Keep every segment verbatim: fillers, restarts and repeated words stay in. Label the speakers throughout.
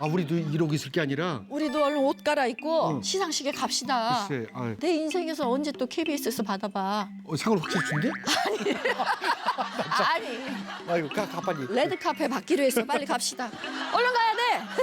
Speaker 1: 아 우리도 이러고 있을 게 아니라.
Speaker 2: 우리도 얼른 옷 갈아입고
Speaker 1: 응.
Speaker 2: 시상식에 갑시다.
Speaker 1: 글쎄, 아유.
Speaker 2: 내 인생에서 언제 또 케이비에스에서 받아봐.
Speaker 1: 어, 상을 확실히 준대?
Speaker 2: 아니,
Speaker 1: 아이고 가, 가 빨리.
Speaker 2: 레드카페 받기로 했어. 빨리 갑시다. 얼른 가야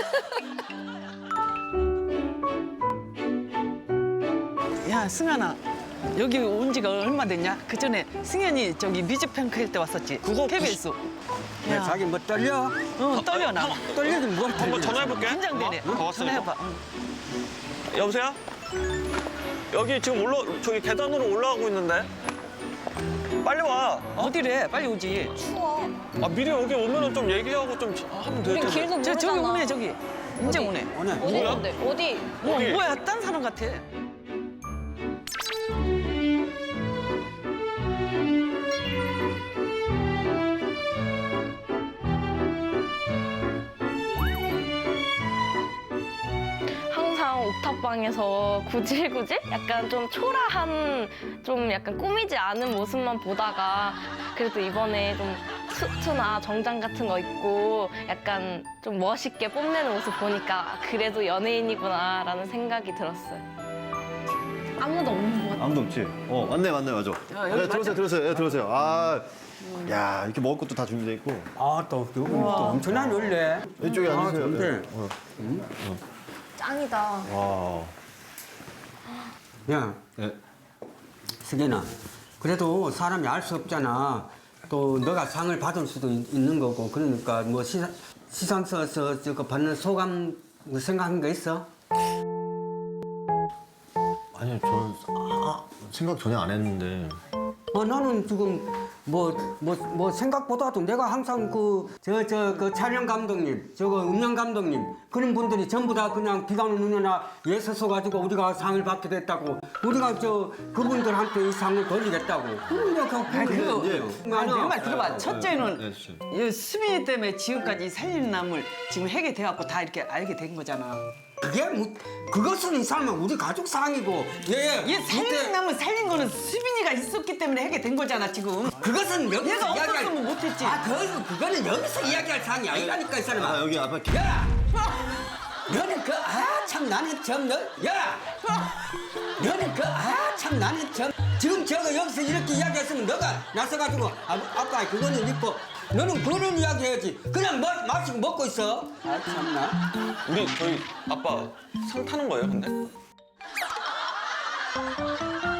Speaker 2: 돼.
Speaker 3: 야, 승환아. 여기 온 지가 얼마 됐냐? 그 전에 승현이 저기 뮤직뱅크일 때 왔었지.
Speaker 4: 그거
Speaker 3: 케이비에스.
Speaker 5: 야,
Speaker 3: 야,
Speaker 5: 자기 뭐 떨려?
Speaker 3: 어, 떨려 나.
Speaker 5: 떨리긴 뭘 떨려?
Speaker 4: 한번 전화해볼게.
Speaker 3: 긴장되네.
Speaker 4: 어? 더 왔어.
Speaker 3: 전화해봐. 응.
Speaker 4: 여보세요? 여기 지금 올라 저기 계단으로 올라가고 있는데. 빨리 와.
Speaker 3: 어디래? 빨리 오지.
Speaker 4: 아 미리 여기 오면은 좀 얘기하고 좀 하면 될 텐데.
Speaker 6: 길도
Speaker 3: 저 저기
Speaker 6: 모르잖아.
Speaker 3: 오네 저기. 이제 오네.
Speaker 5: 오늘
Speaker 6: 어디
Speaker 4: 뭐야?
Speaker 6: 있는데? 어디?
Speaker 3: 어,
Speaker 4: 어디?
Speaker 3: 뭐야? 딴 사람 같아.
Speaker 6: 항상 옥탑방에서 구질구질? 약간 좀 초라한, 좀 약간 꾸미지 않은 모습만 보다가 그래도 이번에 좀 수트나 정장 같은 거 입고 약간 좀 멋있게 뽐내는 모습 보니까 그래도 연예인이구나라는 생각이 들었어요. 아무도 없는 것 같아요.
Speaker 7: 아무도 없지? 어, 맞네, 맞네, 맞아.
Speaker 3: 야, 여기
Speaker 7: 네, 들어오세요, 들어오세요, 네, 들어오세요. 아, 야, 이렇게 먹을 것도 다 준비돼 있고.
Speaker 5: 아, 또 그분 또 엄청난 원래.
Speaker 7: 이쪽에
Speaker 5: 아,
Speaker 7: 앉으세요.
Speaker 5: 좋은데.
Speaker 7: 네. 어.
Speaker 6: 짱이다.
Speaker 7: 와.
Speaker 5: 야,
Speaker 7: 네.
Speaker 5: 승현아. 그래도 사람이 알 수 없잖아. 또 너가 상을 받을 수도 있, 는 거고. 그러니까 뭐 시상, 시상서에서 저거 받는 소감 뭐 생각한 거 있어?
Speaker 7: 아니요, 저는 아, 생각 전혀 안 했는데.
Speaker 5: 어, 나는 지금 뭐, 뭐, 뭐 생각보다도 내가 항상 그, 저, 저, 그 촬영 감독님, 저거 음영 감독님, 그런 분들이 전부 다 그냥 비가 오는 눈이나 예서서 가지고 우리가 상을 받게 됐다고. 우리가 저, 그분들한테 이 상을 돌리겠다고. 그러니까
Speaker 3: 아, 그거.
Speaker 7: 이제-
Speaker 3: 아니, 내 말 들어봐.
Speaker 7: 네,
Speaker 3: 첫째는
Speaker 7: 네, 진짜.
Speaker 3: 이 수민이 때문에 지금까지 살리는 남을 지금 해게 돼갖고 다 이렇게 알게 된 거잖아.
Speaker 5: 그게 뭐, 그것은 이 사람은 우리 가족 상이고, 예,
Speaker 3: 얘 살리는 남을 살린 거는 수빈이가 있었기 때문에 하게 된 거잖아 지금.
Speaker 5: 그것은 여기서
Speaker 3: 얘가
Speaker 5: 이야기할.
Speaker 3: 없었으면 못했지.
Speaker 5: 아, 그, 그거는 여기서 이야기할 상이 아니라니까, 이 사람아.
Speaker 7: 아, 여기 앞에.
Speaker 5: 야! 너는 그, 아, 참, 나는 참, 너, 야! 너는 그, 아, 참, 나는 참. 지금 저거 여기서 이렇게 이야기했으면 너가 나서가지고, 아, 아까 그거는 있고, 너는 그런 이야기 해야지. 그냥 뭐, 마시고 먹고 있어. 아, 참나.
Speaker 4: 우리 저희 아빠 상 타는 거예요, 근데?